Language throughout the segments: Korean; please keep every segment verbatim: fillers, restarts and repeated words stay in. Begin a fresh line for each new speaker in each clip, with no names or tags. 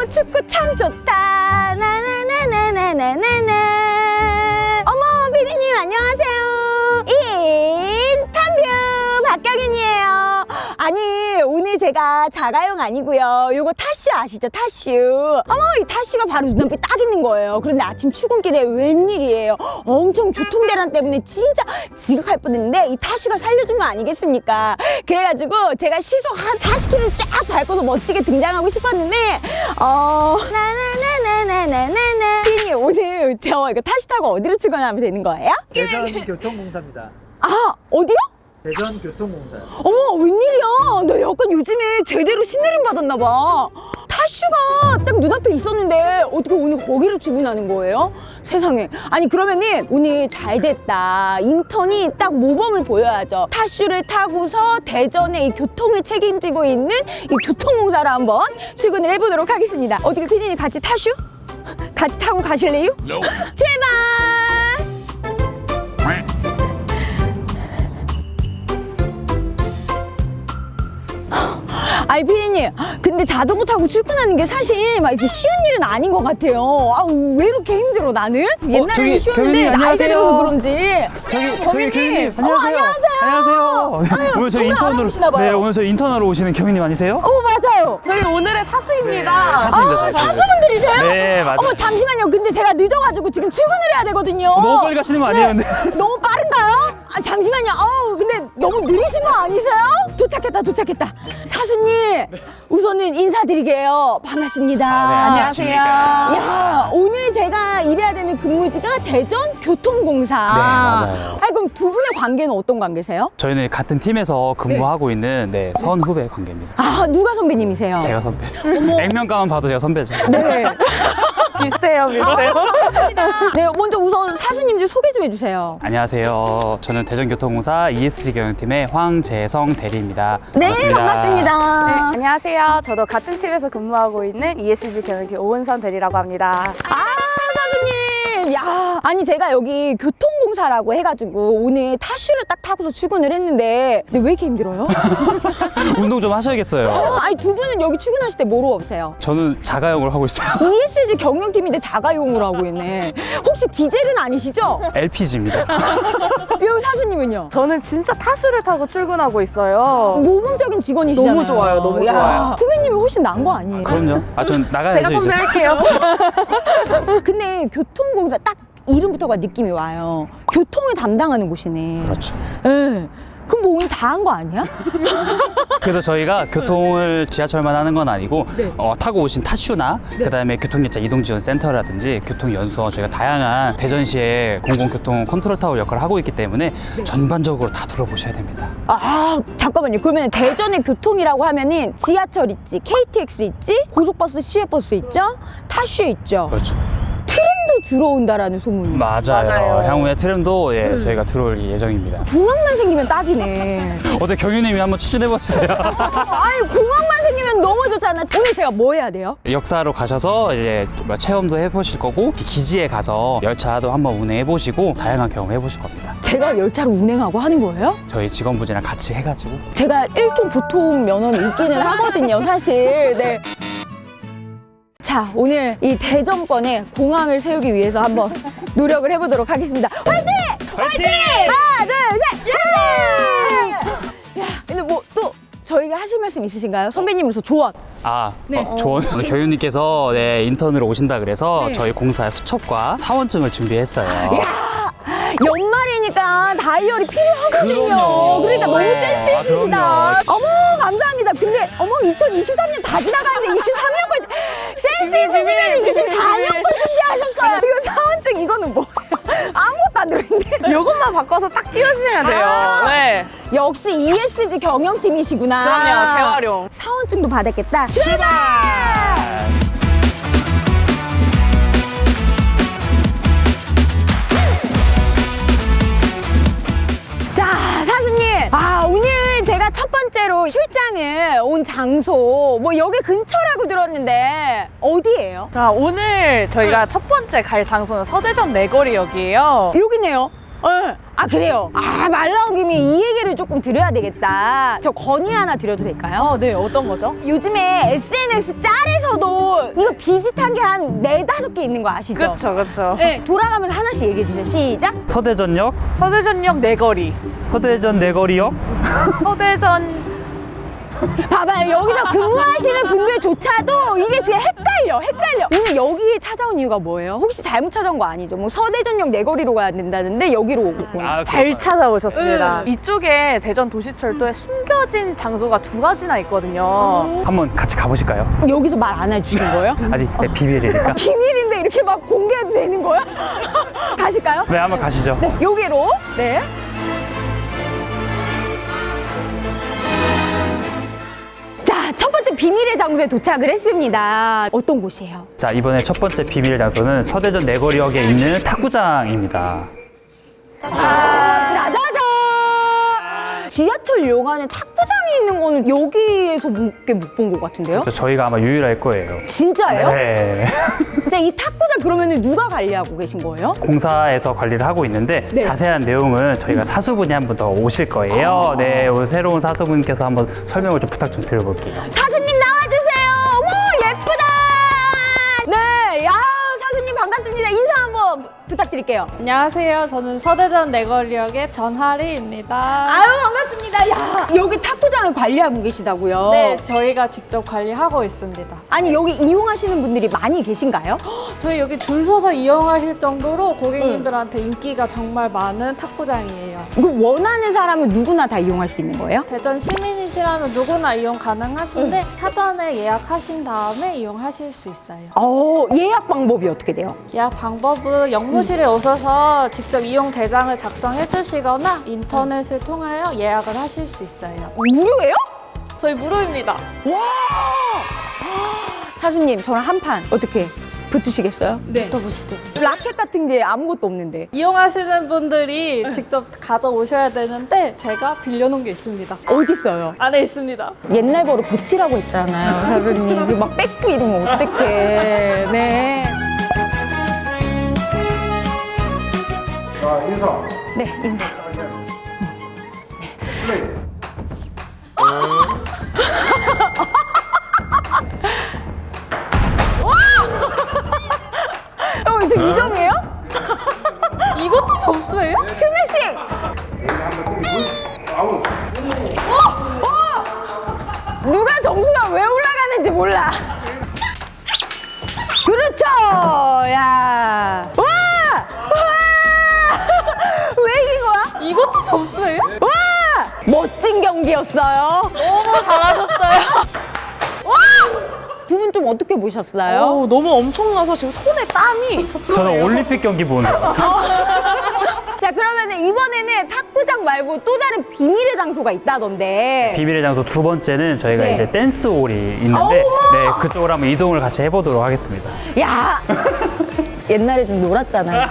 축구 참 좋다. 나나나나나나나나. 어머, 피디님 안녕하세요. 인터뷰 박경인이에요. 아니, 오늘 제가 자가용 아니고요. 요거 타슈 아시죠? 타슈. 어머, 이 타슈가 바로 눈앞에 딱 있는 거예요. 그런데 아침 출근길에 웬일이에요. 엄청 교통대란 때문에 진짜 지각할 뻔했는데 이 타슈가 살려준 거 아니겠습니까? 그래가지고 제가 시속 한 사십 킬로미터 쫙 밟고서 멋지게 등장하고 싶었는데 어... 나나나나나나나나. 피디님, 오늘 저 이거 타슈 타고 어디로 출근하면 되는 거예요?
대전교통공사입니다.
아, 어디요?
대전교통공사요.
어머, 웬일이야. 나 약간 요즘에 제대로 신내림 받았나 봐. 타슈가 딱 눈앞에 있었는데 어떻게 오늘 거기를 출근하는 거예요? 세상에. 아니, 그러면은 오늘 잘 됐다. 인턴이 딱 모범을 보여야죠. 타슈를 타고서 대전의 이 교통을 책임지고 있는 이 교통공사로 한번 출근을 해보도록 하겠습니다. 어떻게 피디님 같이 타슈? 같이 타고 가실래요? No. 출발! 아니, 피디님, 근데 자전거 타고 출근하는 게 사실 막 이렇게 쉬운 일은 아닌 것 같아요. 아, 왜 이렇게 힘들어, 나는? 옛날에는
저기,
쉬웠는데
경희님,
나이가 들어서
안녕하세요.
그런지.
저기
경희님.
저기 경희님
어머,
안녕하세요.
안녕하세요.
안녕하세요. 오늘 저희
오늘
인턴으로
알아보시나 봐요.
네 오늘 저희 인턴으로 오시는 경희님 아니세요?
어, 맞아요.
저희 오늘의 사수입니다.
네, 사수입니다.
아,
사수.
사수분들이세요?
네, 맞아요.
어머, 잠시만요. 근데 제가 늦어가지고 지금 출근을 해야 되거든요.
어, 너무 빨리 가시는 거 아니에요, 근데?
너무 빠른가요? 아, 잠시만요. 어우, 근데 너무 느리신 거 아니세요? 도착했다, 도착했다. 사수님, 우선은 인사드리게요. 반갑습니다.
아, 네,
안녕하세요.
야, 오늘 제가 일해야 되는 근무지가 대전교통공사.
네, 맞아요.
아니, 그럼 두 분의 관계는 어떤 관계세요?
저희는 같은 팀에서 근무하고 있는 네, 선후배 관계입니다.
아, 누가 선배님이세요?
제가 선배. 액면가만 봐도 제가 선배죠.
네.
비슷해요, 비슷해요.
네, 먼저 우선 사수님 좀 소개 좀 해주세요.
안녕하세요. 저는 대전교통공사 이에스지 경영팀의 황재성 대리입니다.
네,
반갑습니다.
반갑습니다.
네, 안녕하세요. 저도 같은 팀에서 근무하고 있는 이에스지 경영팀 오은선 대리라고 합니다.
아, 사수님! 야, 아니, 제가 여기 교통공사라고 해가지고 오늘 타슈를 딱 타고서 출근을 했는데, 근데 왜 이렇게 힘들어요?
운동 좀 하셔야겠어요.
어, 아니, 두 분은 여기 출근하실 때 뭐로 오세요?
저는 자가용을 하고 있어요.
이에스지 경영팀인데 자가용으로 하고 있네. 혹시 디젤은 아니시죠?
엘피지입니다.
여기 사수님은요?
저는 진짜 타슈를 타고 출근하고 있어요.
모범적인 직원이시잖아요.
너무 좋아요, 너무
야,
좋아요.
후배님이 훨씬 나은 거 아니에요?
그럼요. 아, 전 나가야죠,
제가
이제.
선배할게요.
근데 교통공사 딱 이름부터가 느낌이 와요. 교통을 담당하는 곳이네.
그렇죠.
예. 그럼 뭐 오늘 다 한 거 아니야?
그래서 저희가 교통을 지하철만 하는 건 아니고
네.
어, 타고 오신 타슈나 그다음에 교통약자 이동지원센터라든지 교통연수원 저희가 다양한 대전시의 공공교통 컨트롤타워 역할을 하고 있기 때문에
네.
전반적으로 다 둘러보셔야 됩니다.
아, 잠깐만요. 그러면 대전의 교통이라고 하면은 지하철 있지, 케이티엑스 있지, 고속버스, 시외버스 있죠, 타슈 있죠.
그렇죠.
트램도 들어온다라는 소문이.
맞아요.
맞아요.
향후에 트램도 예,
음.
저희가 들어올 예정입니다.
공항만 생기면 딱이네.
어때 경유님이 한번 추천해 보세요.
아니, 공항만 생기면 너무 좋잖아. 오늘 제가 뭐 해야 돼요?
역사로 가셔서 이제 뭐 체험도 해보실 거고 기지에 가서 열차도 한번 운행해 보시고 다양한 경험 해보실 겁니다.
제가 열차를 운행하고 하는 거예요?
저희 직원분이랑 같이 해가지고
제가 일종 보통 면허는 있기는 하거든요, 사실. 네. 자, 오늘 이 대전권에 공항을 세우기 위해서 한번 노력을 해보도록 하겠습니다. 화이팅!
화이팅!
하나, 둘, 셋! 화이팅! 야, 근데 뭐 또 저희가 하실 말씀 있으신가요? 선배님으로서 조언.
아,
네.
어, 좋은 오늘 교육님께서 네, 인턴으로 오신다 그래서
네.
저희 공사 수첩과 사원증을 준비했어요.
야, 연말이니까 다이어리 필요하거든요.
그럼요.
그러니까 너무
네.
센스
아,
있으시다.
그럼요.
어머, 감사합니다. 근데 어머, 이천이십삼 년 다 지나가는데 이십삼 년까지 센스 있으시면 이십사 년까지 준비하셨어요. 이거 사원증 이거는 뭐예요? 아무것도 안 들어있는데.
이것만 바꿔서 딱 끼우시면 돼요.
아.
네.
역시 이에스지 경영팀이시구나.
그럼요, 재활용.
사원증도 받았겠다. 출발! 자, 사수님. 아, 오늘 제가 첫 번째로 출장을 온 장소, 뭐 여기 근처라고 들었는데 어디예요?
자, 오늘 저희가 첫 번째 갈 장소는 서대전 내거리역이에요.
여기네요. 네. 아, 그래요? 아, 말 나온 김에 이 얘기를 조금 드려야 되겠다. 저 건의 하나 드려도 될까요?
어, 네, 어떤 거죠?
요즘에 에스엔에스 짤에서도 이거 비슷한 게 한 네다섯 개 있는 거 아시죠?
그렇죠, 그렇죠.
네, 돌아가면서 하나씩 얘기해 주세요. 시작.
서대전역,
서대전역 내거리,
서대전 내거리역,
서대전
봐봐요. 여기서 근무하시는 분들조차도 이게 진짜 헷갈려, 헷갈려. 오늘 여기에 찾아온 이유가 뭐예요? 혹시 잘못 찾아온 거 아니죠? 뭐 서대전역 내거리로 가야 된다는데 여기로 오고.
아,
잘 찾아오셨습니다.
응.
이쪽에 대전 도시철도에 숨겨진 장소가 두 가지나 있거든요.
한번 같이 가보실까요?
여기서 말 안 해주시는 거예요?
아직 네, 비밀이니까.
비밀인데 이렇게 막 공개해도 되는 거야? 가실까요?
네, 한번 가시죠.
네, 여기로. 네. 자, 첫 번째 비밀의 장소에 도착을 했습니다. 어떤 곳이에요?
자, 이번에 첫 번째 비밀 장소는 서대전 내거리역에 있는 탁구장입니다.
아, 짜자잔! 지하철 용안에 탁구장이 있는 거는 여기에서밖에 못 본 것 같은데요?
그래서 저희가 아마 유일할 거예요.
진짜예요?
네.
근데 이 탁구장 그러면 누가 관리하고 계신 거예요?
공사에서 관리를 하고 있는데
네.
자세한 내용은 저희가 사수분이 한 분 더 오실 거예요. 네, 오늘 새로운 사수분께서 한번 설명을 좀 부탁 좀 드려볼게요.
사수님 나와주세요. 어머 예쁘다. 네, 야 사수님 반갑습니다. 인사 한번 부탁드릴게요.
안녕하세요. 저는 서대전 내거리역의 전하리입니다.
아유 반갑습니다. 야 여기 탁구장을 관리하고 계시다고요?
네, 저희가 직접 관리하고 있습니다.
아니 여기 이용하시는 분들이 많이 계신가요?
저희 여기 줄 서서 이용하실 정도로 고객님들한테 인기가 정말 많은 탁구장이에요.
그 원하는 사람은 누구나 다 이용할 수 있는 거예요?
대전 시민이시라면 누구나 이용 가능하신데 사전에 예약하신 다음에 이용하실 수 있어요.
어 예약 방법이 어떻게 돼요?
예약 방법은 영무실에 오셔서 직접 이용 대장을 작성해 주시거나 인터넷을 통하여 예약을 하실 수 있어요.
무료예요?
저희 무료입니다.
와 사수님 저랑 한 판 어떻게 붙으시겠어요?
네. 또 보시죠.
라켓 같은 게 아무것도 없는데
이용하시는 분들이 직접 가져오셔야 되는데 제가 빌려놓은 게 있습니다.
어디 있어요?
안에 있습니다.
옛날 버릇 고치라고 했잖아요, 사수님. 이거 막 뺏고 이러면 어떡해. 네.
자, 인사.
네, 인사.
플레이.
어, 이제 이 점이에요?
이것도 점수예요?
스매싱!
아웃.
누가 점수가 왜 올라가는지 몰라. 그렇죠! 야! 와! 와! 왜 이긴 거야?
이것도 점수예요?
와! 멋진 경기였어요.
너무 잘하셨어요.
두 분 좀 어떻게 보셨어요?
오, 너무 엄청나서 지금 손에 땀이.
저는 올림픽 경기 보는 줄 알았어요.
자, 그러면 이번에는 탁구장 말고 또 다른 비밀의 장소가 있다던데.
비밀의 장소 두 번째는 저희가
네.
이제 댄스홀이 있는데 네, 그쪽으로 한번 이동을 같이 해보도록 하겠습니다.
야! 옛날에 좀 놀았잖아.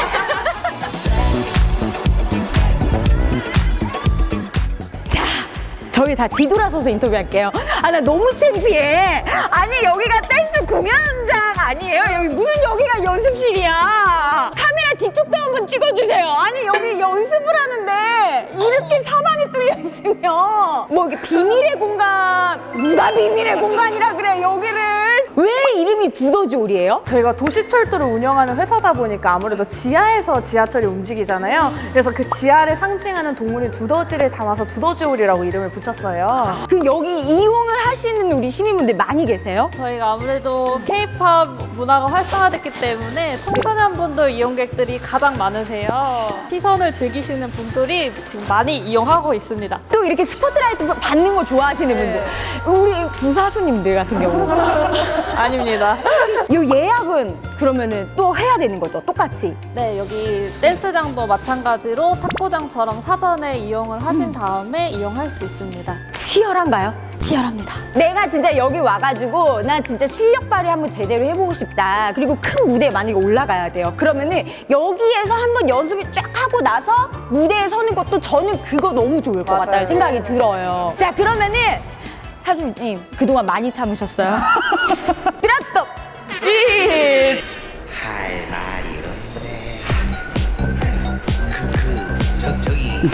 자, 저희 다 뒤돌아서서 인터뷰할게요. 아, 나 너무 창피해. 아니, 여기가 댄스 공연장 아니에요? 여기 무슨 여기가 연습실이야? 카메라 뒤쪽도 한번 찍어주세요. 아니, 여기 연습을 하는데 이렇게 사방이 뚫려 있으면 뭐 이게 비밀의 공간, 누가 비밀의 공간이라 그래, 여기를. 왜 이름이 두더지홀이에요?
저희가 도시철도를 운영하는 회사다 보니까 아무래도 지하에서 지하철이 움직이잖아요. 그래서 그 지하를 상징하는 동물인 두더지를 담아서 두더지홀이라고 이름을 붙였어요.
그 여기 이용을 하시는 우리 시민분들 많이 계세요?
저희가 아무래도 케이팝 문화가 활성화됐기 때문에 청소년분들 이용객들이 가장 많으세요. 시선을 즐기시는 분들이 지금 많이 이용하고 있습니다.
또 이렇게 스포트라이트 받는 거 좋아하시는 분들, 우리 부사수님들 같은 경우
아닙니다.
이 예약은 그러면은 또 해야 되는 거죠? 똑같이?
네, 여기 댄스장도 마찬가지로 탁구장처럼 사전에 이용을 하신 다음에 이용할 수 있습니다.
치열한가요?
치열합니다.
내가 진짜 여기 와가지고 나 진짜 실력 발휘 한번 제대로 해보고 싶다. 그리고 큰 무대에 만약에 올라가야 돼요. 그러면은 여기에서 한번 연습을 쫙 하고 나서 무대에 서는 것도 저는 그거 너무 좋을 것
맞아요.
같다는 생각이 들어요. 자, 그러면은 사수님 그동안 많이 참으셨어요? 드랍독 일
할 말이 없네. 크크 저쪽이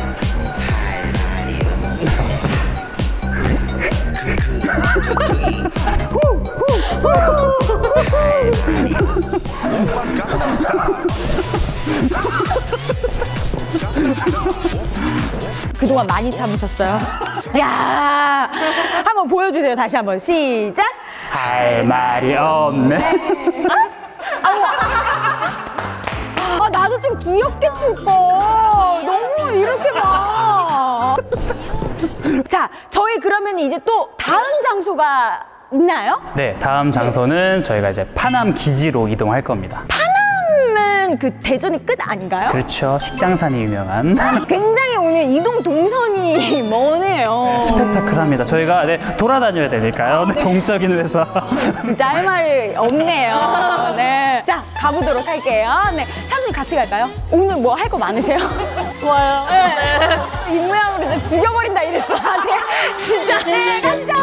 할 말이 없네. 크크 저쪽이
그동안 많이 참으셨어요? 야, 한번 보여주세요. 다시 한번 시작.
할 말이 없네.
아, 나도 좀 귀엽게 출거. 너무 이렇게 막. 자, 저희 그러면 이제 또 다음 장소가 있나요?
네, 다음 장소는 저희가 이제 파남 기지로 이동할 겁니다.
파남은 그 대전이 끝 아닌가요?
그렇죠. 식장산이 유명한.
굉장히 오늘 이동 동선이 머네요.
스펙타클합니다. 저희가 네, 돌아다녀야 되니까요. 네, 동적인 회사.
진짜 할 말이 없네요. 네. 자, 가보도록 할게요. 네. 샤프님 같이 갈까요? 오늘 뭐 할 거 많으세요?
좋아요.
이 모양으로 진짜 죽여버린다 이랬어. 네. 진짜. 네, 가시죠.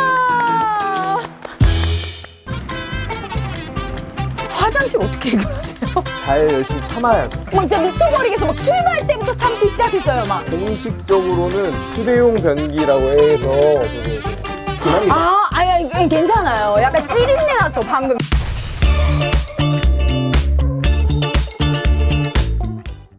화장실 어떻게 해결하세요?
잘 열심히 참아야죠.
막 진짜 미쳐버리겠어. 막 출발 때부터 참기 시작했어요, 막.
공식적으로는 휴대용 변기라고 해서 저도 이제 기능이
아, 아니, 아니, 괜찮아요. 약간 찌린내 났어, 방금.